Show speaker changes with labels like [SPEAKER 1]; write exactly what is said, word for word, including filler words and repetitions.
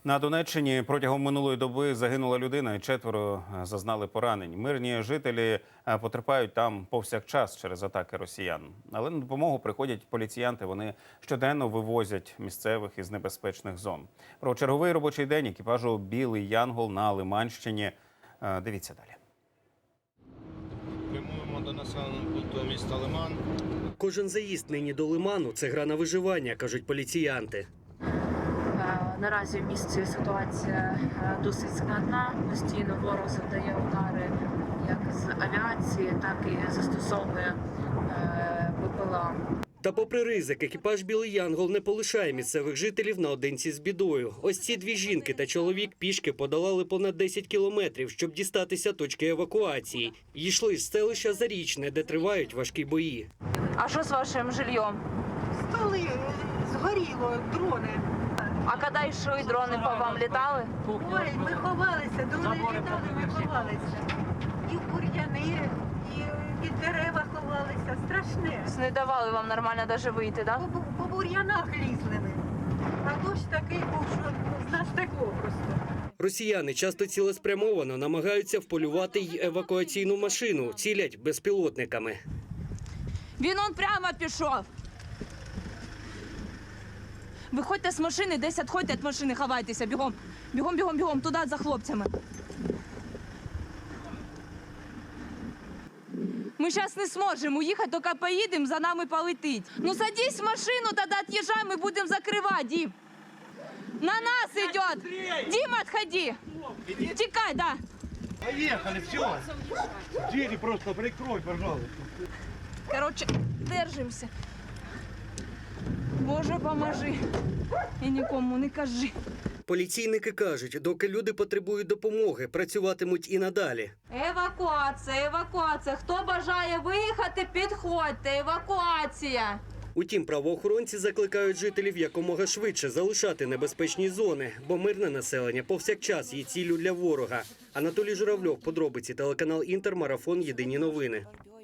[SPEAKER 1] На Донеччині протягом минулої доби загинула людина і четверо зазнали поранень. Мирні жителі потерпають там повсякчас через атаки росіян. Але на допомогу приходять поліціянти. Вони щоденно вивозять місцевих із небезпечних зон. Про черговий робочий день екіпажу «Білий Янгол» на Лиманщині. Дивіться далі.
[SPEAKER 2] Прямуємо до населеного пункту міста Лиман.
[SPEAKER 3] Кожен заїзд нині до Лиману – це гра на виживання, кажуть поліціянти.
[SPEAKER 4] Наразі в місті ситуація досить складна. Постійно ворог завдає удари як з авіації, так і застосовує БПЛА.
[SPEAKER 3] Та попри ризик, екіпаж «Білий Янгол» не полишає місцевих жителів наодинці з бідою. Ось ці дві жінки та чоловік пішки подолали понад десять кілометрів, щоб дістатися точки евакуації. Йшли з селища Зарічне, де тривають важкі бої.
[SPEAKER 4] А що з вашим жильем?
[SPEAKER 5] Столи, згоріло, дрони.
[SPEAKER 4] А коли йшли, дрони по вам літали?
[SPEAKER 5] Ой, ми ховалися, дрони літали, ми ховалися. І в бур'яни, і під дерева ховалися. Страшне.
[SPEAKER 4] Не давали вам нормально навіть вийти, так?
[SPEAKER 5] По, по бур'янах лізли ми. А дощ такий був, що з нас текло просто.
[SPEAKER 3] Росіяни часто цілеспрямовано намагаються вполювати й евакуаційну машину, цілять безпілотниками.
[SPEAKER 6] Він он прямо пішов. Виходьте з машини, десь відходьте від машини, ховайтеся, бігом. Бігом, бігом, бігом, туди за хлопцями. Ми зараз не зможемо уїхати, тільки поїдемо, за нами полетить. Ну садись в машину, тоді від'їжджай, ми будемо закривати, Дім. На нас йде. Дім, відходи. Тікай, да.
[SPEAKER 7] Поехали, все. Двери просто прикрой, пожалуйста.
[SPEAKER 6] Короче, держимося. Боже, поможи. І нікому не кажи.
[SPEAKER 3] Поліційники кажуть, доки люди потребують допомоги, працюватимуть і надалі.
[SPEAKER 6] Евакуація, евакуація. Хто бажає виїхати, підходьте. Евакуація.
[SPEAKER 3] Утім, правоохоронці закликають жителів якомога швидше залишати небезпечні зони, бо мирне населення повсякчас є ціллю для ворога. Анатолій Журавльов, подробиці, телеканал «Інтер», марафон «Єдині новини».